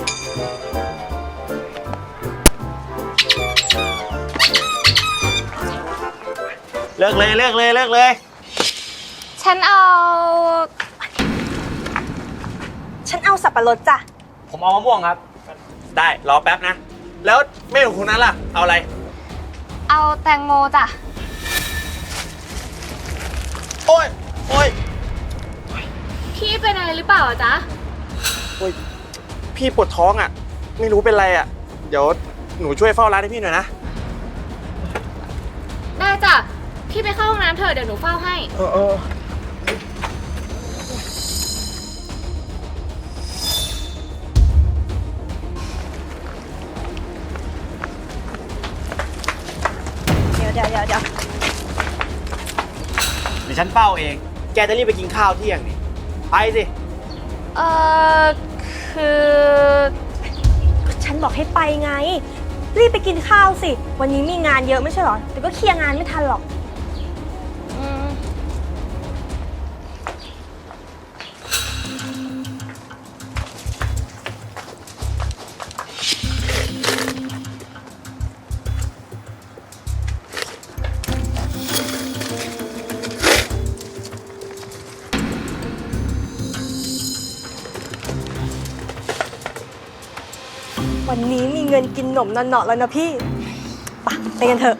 เลิกเลยเลิกเลยเลิกเลยฉันเอาสับปะรดจ้ะผมเอามะม่วงครับได้รอแป๊บนะแล้วเมนูคุณนั้นล่ะเอาอะไรเอาแตงโมจ้ะโอ้ยโอ้ยพี่เป็นอะไรหรือเปล่าจ๊ะโอ้ยพี่ปวดท้องอ่ะไม่รู้เป็นไรอ่ะเดี๋ยวหนูช่วยเฝ้าร้านให้พี่หน่อยนะได้จ้ะพี่ไปเข้าห้องน้ำเถอะเดี๋ยวหนูเฝ้าให้เดี๋ยวฉันเฝ้าเองแกจะรีบไปกินข้าวเที่ยงนี่ไปสิคือฉันบอกให้ไปไงรีบไปกินข้าวสิวันนี้มีงานเยอะไม่ใช่หรอแต่ก็เคลียร์งานไม่ทันหรอกวันนี้มีเงินกินหนมนอนเนาะแล้วนะพี่ไปกันเถอะ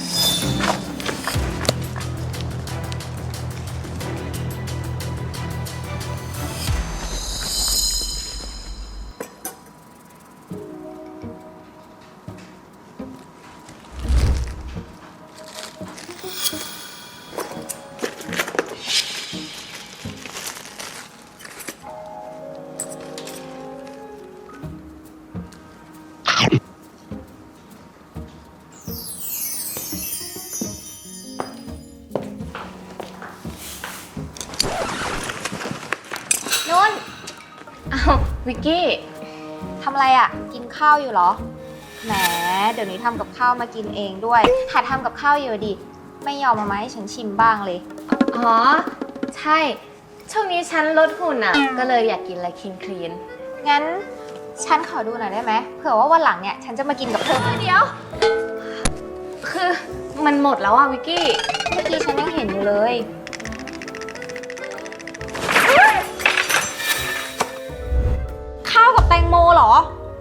นุ่นวิกกี้ทำอะไรอ่ะกินข้าวอยู่เหรอแหมเดี๋ยวนี้ทำกับข้าวมากินเองด้วยหัดทำกับข้าวอยู่ดิไม่ยอมมาให้ฉันชิมบ้างเลยอ๋อใช่ช่วงนี้ฉันลดหุ่นอ่ะก็เลยอยากกินอะไรคลีนงั้นฉันขอดูหน่อยได้ไหมเผื่อว่าวันหลังเนี่ยฉันจะมากินกับเธอเดี๋ยวคือมันหมดแล้วอ่ะวิกกี้เมื่อกี้ฉันยังเห็นอยู่เลยข้าวกับแตงโมเหรอ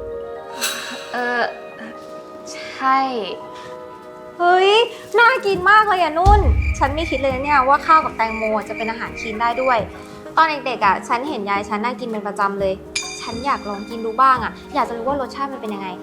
ใช่เฮ้ยน่ากินมากเลยอ่ะนุ่นฉันไม่คิดเลยนะเนี่ยว่าข้าวกับแตงโมจะเป็นอาหารคลีนได้ด้วยตอนเด็กๆอ่ะฉันเห็นยายฉันน่ากินเป็นประจำเลยฉันอยากลองกินดูบ้างอ่ะอยากจะรู้ว่ารสชาติมันเป็นยังไง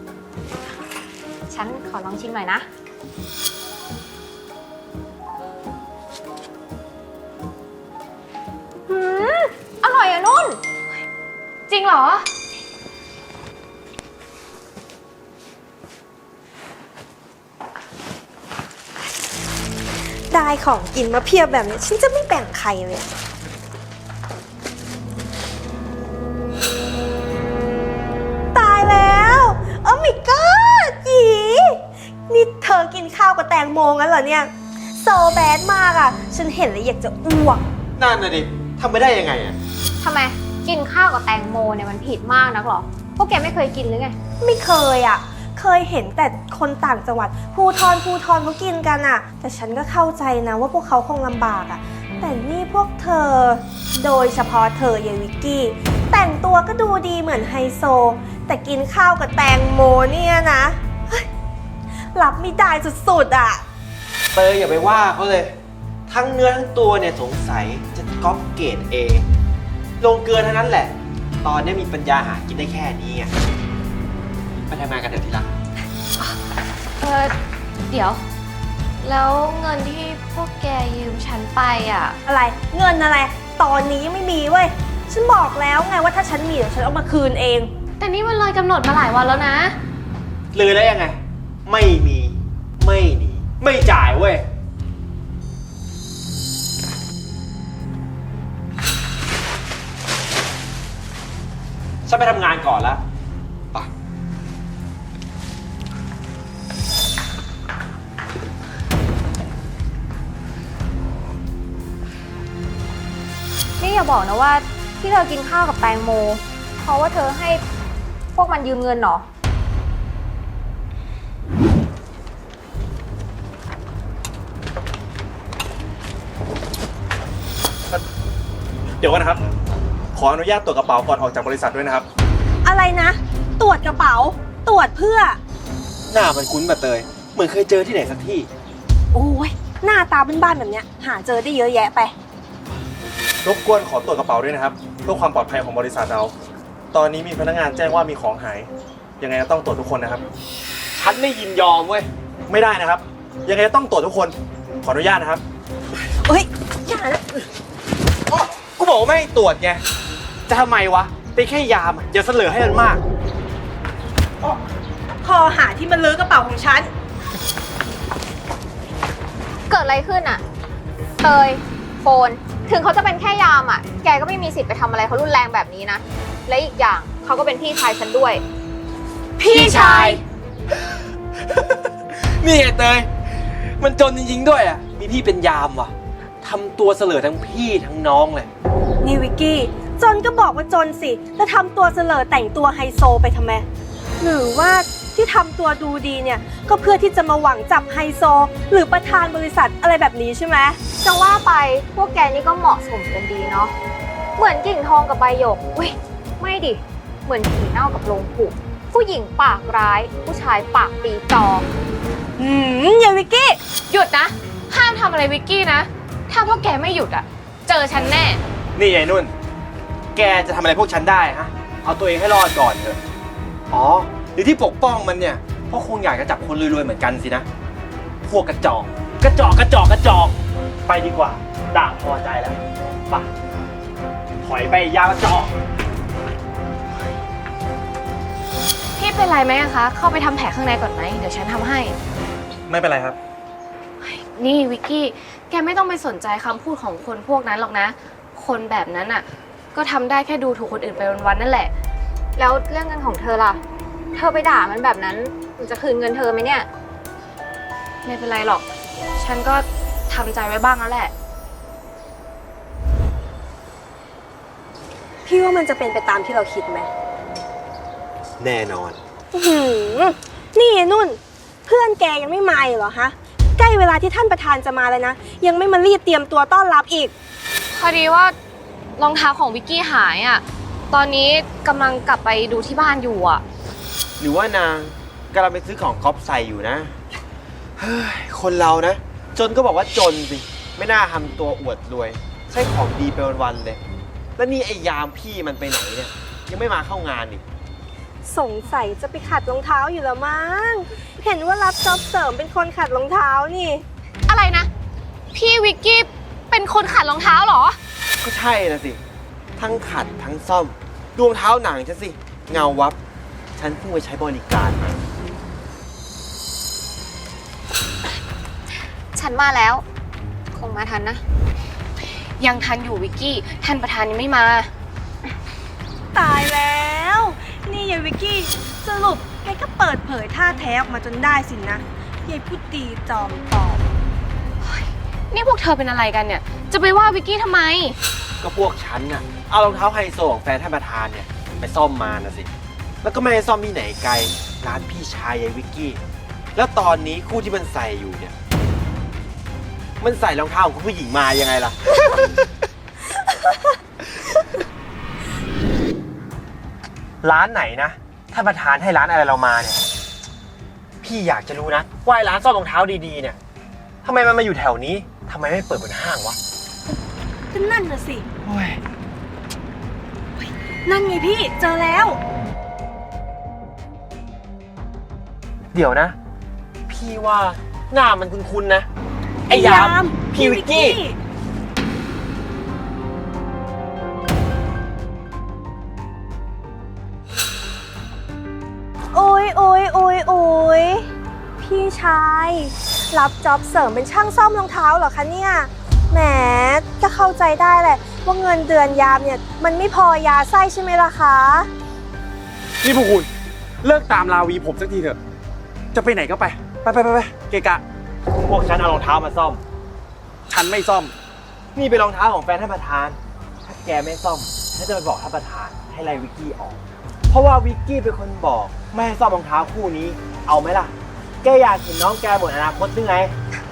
ฉันขอลองชิมหน่อยนะอร่อยอ่ะนุ่นจริงเหรอได้ของกินมาเพียบแบบนี้ฉันจะไม่แบ่งใครเลยตายแล้วโอ้ my god จีนี่เธอกินข้าวกับแตงโมงั้นเหรอเนี่ยโซแบดมากอ่ะฉันเห็นแล้วอยากจะอ้วกนั่นน่ะดิทำไม่ได้ยังไงอ่ะทำไมกินข้าวกับแตงโมเนี่ยมันผิดมากนักหรอพวกแกไม่เคยกินหรือไงไม่เคยอ่ะเคยเห็นแต่คนต่างจังหวัดภูทรเขากินกันอ่ะแต่ฉันก็เข้าใจนะว่าพวกเขาคงลำบากอ่ะแต่นี่พวกเธอโดยเฉพาะเธอยายวิกกี้แต่งตัวก็ดูดีเหมือนไฮโซแต่กินข้าวกับแตงโมเนี่ยนะรับไม่ได้สุดๆอ่ะเตยอย่าไปว่าเขาเลยทั้งเนื้อทั้งตัวเนี่ยสงสัยจะก๊อปเกรด A ลงเกลือเท่านั้นแหละตอนนี้มีปัญญาหากินได้แค่นี้ไงไปทำงานกันเถอะทีละเดี๋ยวแล้วเงินที่พวกแกยืมฉันไปอ่ะอะไรเงินอะไรตอนนี้ยังไม่มีเว้ยฉันบอกแล้วไงว่าถ้าฉันมีเดี๋ยวฉันเอามาคืนเองแต่นี่มันเลยกำหนดมาหลายวันแล้วนะเลยได้ยังไงไม่มีไม่หนีไม่จ่ายเว้ยฉันไปทำงานก่อนแล้วไปนี่อย่าบอกนะว่าที่เธอกินข้าวกับแตงโมเพราะว่าเธอให้วกมันยืมเงินเหรอเดี๋ยวก่อนนะครับ ขออนุญาตตรวจกระเป๋าก่อนออกจากบริษัทด้วยนะครับอะไรนะ ตรวจกระเป๋า ตรวจเพื่อหน้ามันคุ้นแบบเตย เหมือนเคยเจอที่ไหนสักที่โอ้ยหน้าตาบ้านๆแบบเนี้ย หาเจอได้เยอะแยะไปรบกวนขอตรวจกระเป๋าด้วยนะครับ เพื่อความปลอดภัยของบริษัทเรา ตอนนี้มีพนักงานแจ้งว่ามีของหาย ยังไงก็ต้องตรวจทุกคนนะครับฉันไม่ยินยอมเว้ยไม่ได้นะครับ ยังไงก็ต้องตรวจทุกคน ขออนุญาตนะครับเฮ้ยอย่านะอ๋อกูบอกว่าไม่ให้ตรวจไง จะทำไมวะ เป็นแค่ยามอะอย่าเสลอให้มันมากคอหาที่มันลื้อกระเป๋าของฉันเกิดอะไรขึ้นอะเตยโฟน ถึงเขาจะเป็นแค่ยามอะแกก็ไม่มีสิทธิ์ไปทำอะไรเขารุนแรงแบบนี้นะ และอีกอย่างเขาก็เป็นพี่ชายฉันด้วยพี่ชาย นี่ไงเตย มันจนจริงๆด้วยอ่ะ มีพี่เป็นยามว่ะ ทำตัวเสลอทั้งพี่ทั้งน้องเลยนี่วิกกี้ จนก็บอกว่าจนสิแล้วทำตัวเสลอแต่งตัวไฮโซไปทำไม หรือว่าที่ทำตัวดูดีเนี่ย ก็เพื่อที่จะมาหวังจับไฮโซ หรือประธานบริษัทอะไรแบบนี้ใช่ไหมจะว่าไปพวกแกนี่ก็เหมาะสมกันดีเนาะ เหมือนกิ่งทองกับใบหยกเว้ยไม่ดิ เหมือนผีเน่ากับโลงผุผู้หญิงปากร้าย ผู้ชายปากปีจออย่าวิกกี้หยุดนะ ห้ามทำอะไรวิกกี้นะ ถ้าพวกแกไม่หยุดอะเจอฉันแน่นี่ไอ้นุ่น แกจะทำอะไรพวกฉันได้ฮะ เอาตัวเองให้รอดก่อนเถอะ อ๋อ หรือที่ปกป้องมันเนี่ย เพราะคงอยากจะจับคนรวยๆเหมือนกันสินะ พวกกระจอก กระจอก กระจอก กระจอก ไปดีกว่า ด่างพอใจแล้วไปถอยไปยากระจอกพี่เป็นไรไหมอะคะ เข้าไปทำแผลข้างในก่อนไหม เดี๋ยวฉันทำให้ไม่เป็นไรครับนี่วิกกี้ แกไม่ต้องไปสนใจคำพูดของคนพวกนั้นหรอกนะ คนแบบนั้นอะก็ทำได้แค่ดูถูกคนอื่นไปวันๆนั่นแหละแล้วเรื่องเงินของเธอล่ะ เธอไปด่ามันแบบนั้นมันจะคืนเงินเธอไหมเนี่ยไม่เป็นไรหรอก ฉันก็ทำใจไว้บ้างแล้วแหละพี่ว่ามันจะเป็นไปตามที่เราคิดไหมแน่นอนอื้อหือนี่ไอ้นุ่น เพื่อนแกยังไม่มาอีกเหรอฮะ ใกล้เวลาที่ท่านประธานจะมาแล้วนะ ยังไม่มารีบเตรียมตัวต้อนรับอีกพอดีว่ารองเท้าของวิกกี้หายอะตอนนี้กำลังกลับไปดูที่บ้านอยู่อะหรือว่านางกำลังไปซื้อของก๊อฟใส่อยู่นะ เฮ้ย คนเรานะ จนก็บอกว่าจนสิ ไม่น่าทำตัวอวดรวย ใช้ของดีไปวันๆเลย แล้วนี่ไอ้ยามพี่มันไปไหนเนี่ย ยังไม่มาเข้างานอีกสงสัยจะไปขัดรองเท้าอยู่แล้วมั้ง เห็นว่ารับจ็อบเสริมเป็นคนขัดรองเท้านี่อะไรนะ พี่วิกกี้เป็นคนขัดรองเท้าเหรอก็ใช่นะสิ ทั้งขัดทั้งซ่อมรองเท้าหนังฉันสิ เงาวับ ฉันเพิ่งไปใช้บริการมาฉันมาแล้ว คงมาทันนะยังทันอยู่วิกกี้ ท่านประธานยังไม่มาตายแล้ว นี่ยายวิกกี้ สรุปแกก็เปิดเผยท่าแท้ออกมาจนได้สินะยายพูดดีจอมปลอมนี่พวกเธอเป็นอะไรกันเนี่ย จะไปว่าวิกกี้ทำไมก็พวกฉันน่ะ เอารองเท้าไฮโซของแฟนท่านประธานเนี่ย ไปซ่อมมานะสิ แล้วก็ไม่ได้ซ่อมที่ไหนไกล ร้านพี่ชายยายวิกกี้ แล้วตอนนี้คู่ที่มันใส่อยู่เนี่ย มันใส่รองเท้าของคุณผู้หญิงมายังไงล่ะ ร้านไหนนะท่านประธานให้ร้านอะไรเรามาเนี่ย พี่อยากจะรู้นะว่าไอ้ร้านซ่อมรองเท้าดีๆเนี่ยทำไมมันมาอยู่แถวนี้ทำไมไม่เปิดบนห้างวะก็นั่นน่ะสิโอ้ยนั่นไงพี่ เจอแล้วเดี๋ยวนะ พี่ว่าหน้ามันคุ้นๆนะ ไอ้ยาม พี่วิกกี้โอ้ยโอ้ยโอ้ยโอ้ยพี่ชาย รับจ็อบเสริมเป็นช่างซ่อมรองเท้าเหรอคะเนี่ย แหมก็เข้าใจได้แหละว่าเงินเดือนยามเนี่ยมันไม่พอยาไส้ใช่ไหมล่ะคะนี่พวกคุณเลิกตามลาวีผมสักทีเถอะ จะไปไหนก็ไป ไปเกะกะพวกฉันเอารองเท้ามาซ่อมฉันไม่ซ่อมนี่เป็นรองเท้าของแฟนท่านประธาน ถ้าแกไม่ซ่อมฉันจะไปบอกท่านประธานให้ไล่วิกกี้ออกเพราะว่าวิกกี้เป็นคนบอกไม่ให้ซ่อมรองเท้าคู่นี้ เอาไหมล่ะ แกอยากเห็นน้องแกหมดอนาคตหรือไง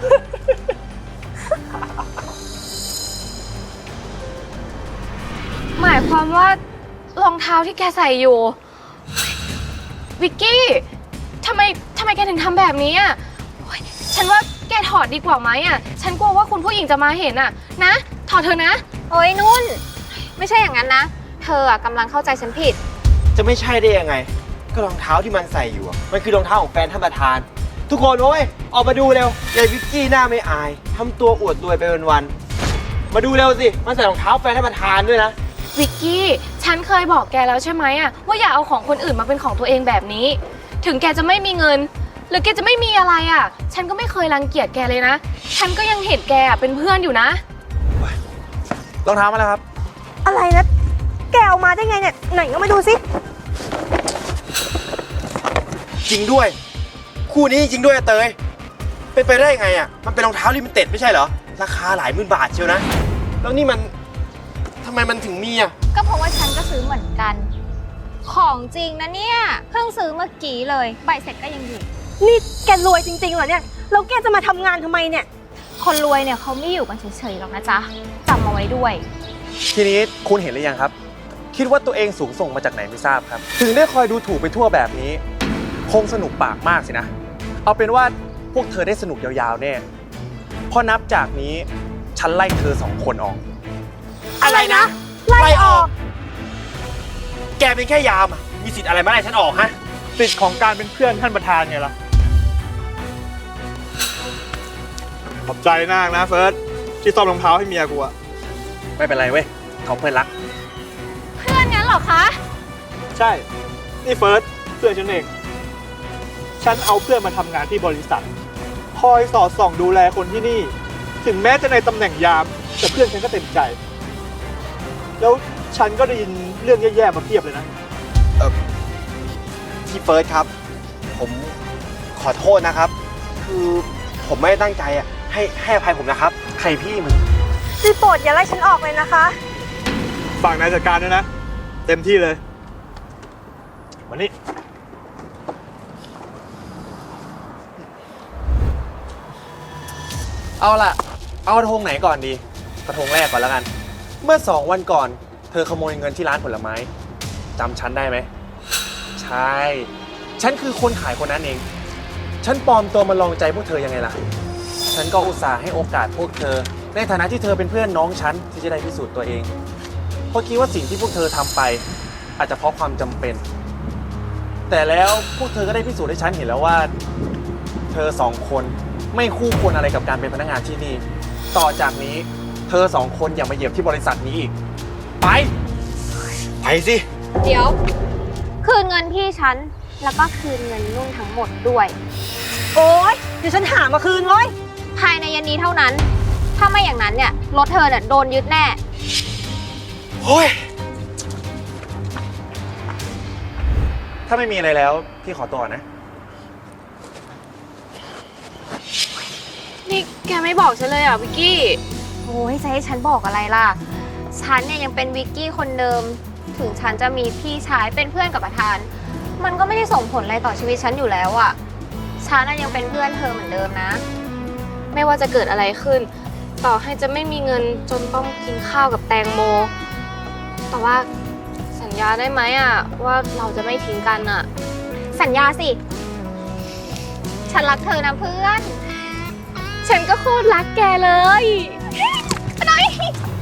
หมายความว่ารองเท้าที่แกใส่อยู่ วิกกี้ทำไมแกถึงทำแบบนี้อ่ะโอ๊ยฉันว่าแกถอดดีกว่าไหมอ่ะ ฉันกลัวว่าคุณผู้หญิงจะมาเห็นอ่ะ นะ ถอดเถอะนะโอ้ยนุ่น ไม่ใช่อย่างนั้นนะ เธออะกำลังเข้าใจฉันผิดจะไม่ใช่ได้ยังไง ก็รองเท้าที่มันใส่อยู่อะมันคือรองเท้าของแฟนท่านประธาน ทุกคนโอ้ยออกมาดูเร็วยายวิกกี้หน้าไม่อายทำตัวอวดรวยไปวันๆมาดูเร็วสิมันใส่รองเท้าแฟนท่านประธานด้วยนะวิกกี้ ฉันเคยบอกแกแล้วใช่ไหมอะว่าอย่าเอาของคนอื่นมาเป็นของตัวเองแบบนี้ ถึงแกจะไม่มีเงิน หรือแกจะไม่มีอะไรอะฉันก็ไม่เคยรังเกียจแกเลยนะ ฉันก็ยังเห็นแกอะเป็นเพื่อนอยู่นะรองเท้ามาแล้วครับอะไรนะ แกเอามาได้ไงเนี่ย ไหนก็มาดูสิจริงด้วย คู่นี้จริงด้วยอะเตยเป็นไปได้ไงอ่ะมันเป็นรองเท้าลิมิเต็ดไม่ใช่เหรอราคาหลายหมื่นบาทเชียวนะแล้วนี่มันทำไมมันถึงมีอ่ะก็เพราะว่าฉันก็ซื้อเหมือนกัน ของจริงนะเนี่ย เพิ่งซื้อเมื่อกี้เลย ใบเสร็จก็ยังอยู่นี่แกรวยจริงๆเหรอเนี่ย แล้วแกจะมาทำงานทำไมเนี่ยคนรวยเนี่ยเขาไม่อยู่กันเฉยๆหรอกนะจ๊ะจำเอาไว้ด้วยทีนี้คุณเห็นหรือยังครับ คิดว่าตัวเองสูงส่งมาจากไหนไม่ทราบครับ ถึงได้คอยดูถูกไปทั่วแบบนี้ คงสนุกปากมากสินะ เอาเป็นว่าพวกเธอได้สนุกยาวๆแน่เพราะนับจากนี้ฉันไล่เธอ2 คนออกอะไรนะไล่ออกแกเป็นแค่ยามอะมีสิทธิ์อะไรมาไล่ฉันออกฮะสิทธิ์ของการเป็นเพื่อนท่านประธานไงล่ะ ขอบใจมากนะเฟิร์สที่ซ่อมรองเท้าให้เมียกูอะไม่เป็นไรเว้ยเขาเพื่อนรักเพื่อนงั้นเหรอคะใช่ นี่เฟิร์สเพื่อนฉันเอง ฉันเอาเพื่อนมาทำงานที่บริษัท คอยสอดส่องดูแลคนที่นี่ ถึงแม้จะในตำแหน่งยาม แต่เพื่อนฉันก็เต็มใจ แล้วฉันก็ได้ยินเรื่องแย่ๆมาเพียบเลยนะพี่เฟิร์สครับ ผมขอโทษนะครับ คือผมไม่ได้ตั้งใจอ่ะให้อภัยผมนะครับใครพี่มึงรีโปรดอย่าไล่ฉันออกเลยนะคะฝากนายจัดการด้วยนะ เต็มที่เลยวันนี้เอาล่ะ เอากระทงไหนก่อนดี กระทงแรกก่อนแล้วกัน เมื่อ2 วันก่อน เธอขโมยเงินที่ร้านผลไม้จำฉันได้ไหม ใช่ ฉันคือคนขายคนนั้นเอง ฉันปลอมตัวมาลองใจพวกเธอยังไงล่ะ ฉันก็อุตส่าห์ให้โอกาสพวกเธอ ในฐานะที่เธอเป็นเพื่อนน้องฉันที่จะได้พิสูจน์ตัวเอง เพราะคิดว่าสิ่งที่พวกเธอทำไป อาจจะเพราะความจำเป็น แต่แล้วพวกเธอก็ได้พิสูจน์ให้ฉันเห็นแล้วว่า เธอ2 คนไม่คู่ควรอะไรกับการเป็นพนักงานที่นี่ ต่อจากนี้เธอ2 คนอย่ามาเหยียบที่บริษัทนี้อีก ไปไปสิเดี๋ยว คืนเงินพี่ฉัน แล้วก็คืนเงินนุ่นทั้งหมดด้วยโอ๊ย เดี๋ยวฉันหามาคืนเว้ยภายในเย็นนี้เท่านั้น ถ้าไม่อย่างนั้นเนี่ยรถเธอเนี่ยโดนยึดแน่โอ้ยถ้าไม่มีอะไรแล้ว พี่ขอตัวก่อนนะนี่แกไม่บอกฉันเลยอ่ะวิกกี้โอ้ยจะให้ฉันบอกอะไรล่ะ ฉันเนี่ยยังเป็นวิกกี้คนเดิม ถึงฉันจะมีพี่ชายเป็นเพื่อนกับประธาน มันก็ไม่ได้ส่งผลอะไรต่อชีวิตฉันอยู่แล้วอะฉันน่ะยังเป็นเพื่อนเธอเหมือนเดิมนะไม่ว่าจะเกิดอะไรขึ้น ต่อให้จะไม่มีเงินจนต้องกินข้าวกับแตงโม แต่ว่าสัญญาได้ไหมอ่ะว่าเราจะไม่ทิ้งกันอ่ะสัญญาสิ ฉันรักเธอนะเพื่อนฉันก็โคตรรักแกเลยไปหน่อย